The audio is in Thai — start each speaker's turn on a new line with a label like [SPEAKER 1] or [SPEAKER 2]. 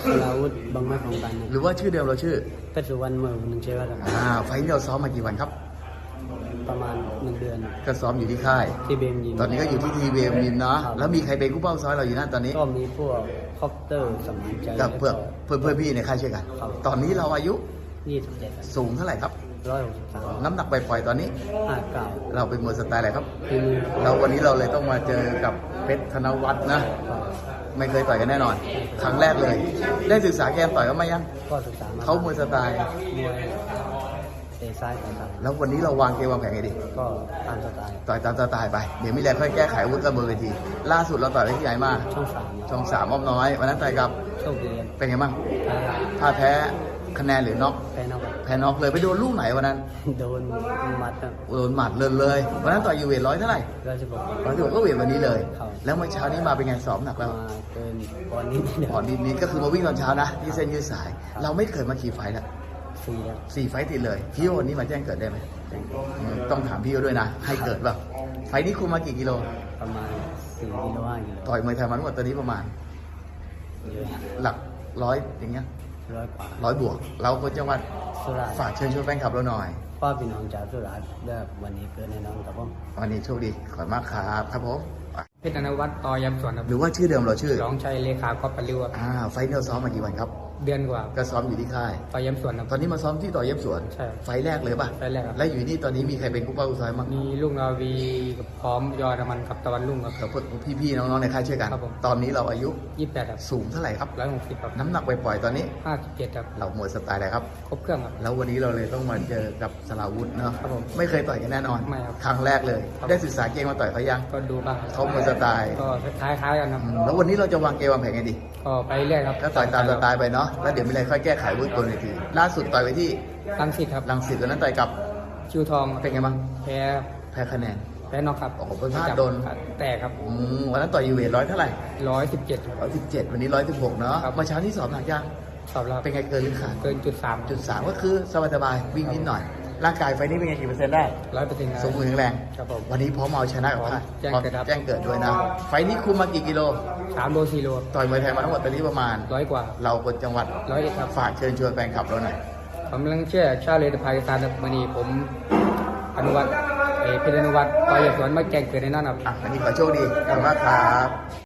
[SPEAKER 1] ลาวุธบางไม้ของกัน
[SPEAKER 2] หรือว่าชื่อเดิมเราชื่อ
[SPEAKER 1] เพชรสุวรรณเมืองหนึ่งเชฟครับ
[SPEAKER 2] ไฟล์นี้เราซ้อมมากี่วันครับ
[SPEAKER 1] ประมาณ1 เดือน
[SPEAKER 2] ก็ซ้อมอยู่ที่ค่าย
[SPEAKER 1] ที่เบมยิม
[SPEAKER 2] ตอนนี้ก็อยู่ที่ทีเวมยิมเนาะ
[SPEAKER 1] ครับ
[SPEAKER 2] แล้วมีใครเป็นกู้เป้าซ้อยเราอยู่นั่นตอนนี้
[SPEAKER 1] ก็มีพวกคอปเตอร์สมานใจ
[SPEAKER 2] กับเพื่อนพี่ในค่ายช่วยกัน
[SPEAKER 1] ครับ
[SPEAKER 2] ตอนนี้เราอายุ
[SPEAKER 1] 27ครับ
[SPEAKER 2] สูงเท่าไหร่ครับ
[SPEAKER 1] 163
[SPEAKER 2] น้ำหนักปล่อยๆตอนนี้
[SPEAKER 1] 59
[SPEAKER 2] เราเป็นมวยสไตล์อะไรครับ
[SPEAKER 1] ฝีมือ
[SPEAKER 2] เราวันนี้เราเลยต้องมาเจอกับเพชรธนวัฒน์นะ ไม่เคยต่อยกันแน่นอน ครั้งแรกเลย ได้ศึกษาเกมต่อยกันมายัง
[SPEAKER 1] ก็ศึกษามา
[SPEAKER 2] เขามวยสไตล์
[SPEAKER 1] มวยเตะซ้ายต่าง
[SPEAKER 2] แล้ววันนี้เราวางเกมวางแผนไงดี
[SPEAKER 1] ๆก็ตามสไตล์
[SPEAKER 2] ต่อยตามสไตล์ไป เดี๋ยวมีแรงค่อยแก้ไขอาวุ้นกระเบอร์เวที ล่าสุดเราต่อยไปที่ไหนมา
[SPEAKER 1] ช่อง
[SPEAKER 2] ช่องสามอ้อมน้อย วันนั้นต่อยกับ
[SPEAKER 1] 3โชคดีครับ
[SPEAKER 2] เป็นไงบ้าง
[SPEAKER 1] ครับ
[SPEAKER 2] ถ้าแพ้คะแนนหรือน็อก
[SPEAKER 1] แพ้นอกครับ
[SPEAKER 2] แพ้น็อกเลยไปโดนลูกไหนวันนั้น
[SPEAKER 1] โดนมัดครับ
[SPEAKER 2] โดนหมัดเลยวันนั้นต่อยอยู่เวทร้อยเท่าไหร่
[SPEAKER 1] 116
[SPEAKER 2] ร้อยที่บอกก็เวทวันนี้เลย
[SPEAKER 1] ครับ
[SPEAKER 2] แล้วเมื่อเช้านี้มาเป็นไงซ้อมหนักแล้ว
[SPEAKER 1] มาเกินปอนด์นิดเดียว
[SPEAKER 2] ก่อนนิดๆก็คือมาวิ่งตอนเช้านะที่เส้นยืดสาย เราไม่เคยมาขี่ไฟแล้ว
[SPEAKER 1] 4ครับ
[SPEAKER 2] 4 ไฟต์ติดเลยพี่ว่าวันนี้มาแจ้งเกิดได้ไหมต้องถามพี่เขาด้วยนะ ให้เกิดเปล่าไฟต์นี้คุมมากี่กิโล
[SPEAKER 1] ประมาณ4 กิโล 5 กิโล
[SPEAKER 2] ต่อยมวยไทยมาทั้งหมดตอนนี้ประมาณ
[SPEAKER 1] เยอะ
[SPEAKER 2] หลักร้อยอย่างเงี้ย
[SPEAKER 1] 100 กว่า
[SPEAKER 2] 100 บวก เราคนจังหวัด
[SPEAKER 1] สุราษฎร์
[SPEAKER 2] ฝากเชิญชวนแฟนคลับเราหน่อย
[SPEAKER 1] พ่อพี่น้องจากสุราษฎร์ได้วันนี้เกิดแน่นอนครับผม
[SPEAKER 2] วันนี้โชคดีขอบคุณมากครับครับผม
[SPEAKER 3] เพชรธนวัฒน์ต่อยำสวนครับ
[SPEAKER 2] หรือว่าชื่อเดิมเราชื่อ
[SPEAKER 3] รองชัยเลขาก๊อฟปริวครับ
[SPEAKER 2] ไฟต์เราซ้อมมากี่วันครับ
[SPEAKER 3] เดือนกว่า
[SPEAKER 2] ก็ซ้อมอยู่ที่ค่าย
[SPEAKER 3] ต่อยำสวนครับ
[SPEAKER 2] ตอนนี้มาซ้อมที่ต่อเย็บสวน
[SPEAKER 3] ใช่
[SPEAKER 2] ไฟต์แรกเลยป่ะ
[SPEAKER 3] ไฟล์แรกครับ
[SPEAKER 2] แล้วอยู่นี่ตอนนี้มีใครเป็นกู้เป้ากู้ซ้ายมั้ง
[SPEAKER 3] มีลูกนาวีกับพร้อมยอดมันกับตะวันรุ่งครับ
[SPEAKER 2] กับพวกพี่ๆน้องๆในค่ายช่วยกัน
[SPEAKER 3] ครับผม
[SPEAKER 2] ตอนนี้เราอายุ
[SPEAKER 3] 28ครับ
[SPEAKER 2] สูงเท่าไหร่ครับ
[SPEAKER 3] 160ครับ
[SPEAKER 2] น้ำหนักปล่อยๆตอนนี้
[SPEAKER 3] 57ครับ
[SPEAKER 2] เรามวยสไตล์อะไรครับ
[SPEAKER 3] ครบเครื่องครับ
[SPEAKER 2] แล้ววันนี้เราเลยต้องมาเจอกับสลาวุธเนาะ
[SPEAKER 3] ครับผม
[SPEAKER 2] ไม่เคยต่อยกันแน่นอน
[SPEAKER 3] ไม่ครับ
[SPEAKER 2] ครั้งแรกเลย
[SPEAKER 3] ครับ
[SPEAKER 2] ได้ศึกษาเกมมาต่อยเขายัง
[SPEAKER 3] ก็ดูบ้างครับ
[SPEAKER 2] เขามวยสไตล์
[SPEAKER 3] ก็คล้ายๆกันครับ
[SPEAKER 2] แล้ววันนี้เราจะวางเกมวางแผนไงดี
[SPEAKER 3] ก็ไปเรื่อยครับ
[SPEAKER 2] ก็ต่อยตามสไตล์ไปเนาะแล้วเดี๋ยวมีอะไรค่อยแก้ไขวุ้นบนเวทีล่าสุดต่อยไปที่
[SPEAKER 3] ตั้งสิทธิ์ครับ
[SPEAKER 2] รังสิตวันนั้นต่อยกับ
[SPEAKER 3] ชิวทอง
[SPEAKER 2] เป็นไงบ้าง
[SPEAKER 3] แพ้
[SPEAKER 2] แพ้คะแนน
[SPEAKER 3] นอกครับ
[SPEAKER 2] โอ้โหเป็นพลาดโดน
[SPEAKER 3] แตกครับ
[SPEAKER 2] วันนั้นต่อยอยู่เวทร้อยเท่าไหร่
[SPEAKER 3] 117ครับ
[SPEAKER 2] 117วันนี้116เนาะ
[SPEAKER 3] ครับ
[SPEAKER 2] เมื่อเช้านี้สอบหนักยัง
[SPEAKER 3] สอบรับ
[SPEAKER 2] เป็นไงเกินหรือขาด
[SPEAKER 3] เกินจุด
[SPEAKER 2] 3ก็คือสบายๆวิ่งนิดหน่อย ร่างกายไฟนี้เป็นไงกี่เปอร์เซ็นต์ได้
[SPEAKER 3] 100%
[SPEAKER 2] สมบูรณ์แข็งแรง
[SPEAKER 3] ครับผม
[SPEAKER 2] วันนี้พร้อมเอาชนะกับค่าย
[SPEAKER 3] แจ้งเกิดครับ
[SPEAKER 2] แจ้งเกิดด้วยนะ ไฟนี้คุมมากี่กิโล
[SPEAKER 3] 3 โล 4 โล
[SPEAKER 2] ต่อยมวยไทยมาทั้งหมดตอนนี้ประมาณ
[SPEAKER 3] 100 กว่า
[SPEAKER 2] เราคนจังหวัด
[SPEAKER 3] 101ครับ
[SPEAKER 2] ฝากเชิญชวนแฟนคลับเราหน่อย
[SPEAKER 3] ผมกำลังเชื่อชาติเลยพากิสถานครับวันนี้ผมอนุวัฒน์เพชรอนุวัฒน์ต่อยำสวนมาแจ้งเกิดในนั้นครับ
[SPEAKER 2] อันนี้ขอโชคดีขอบคุณมากครับ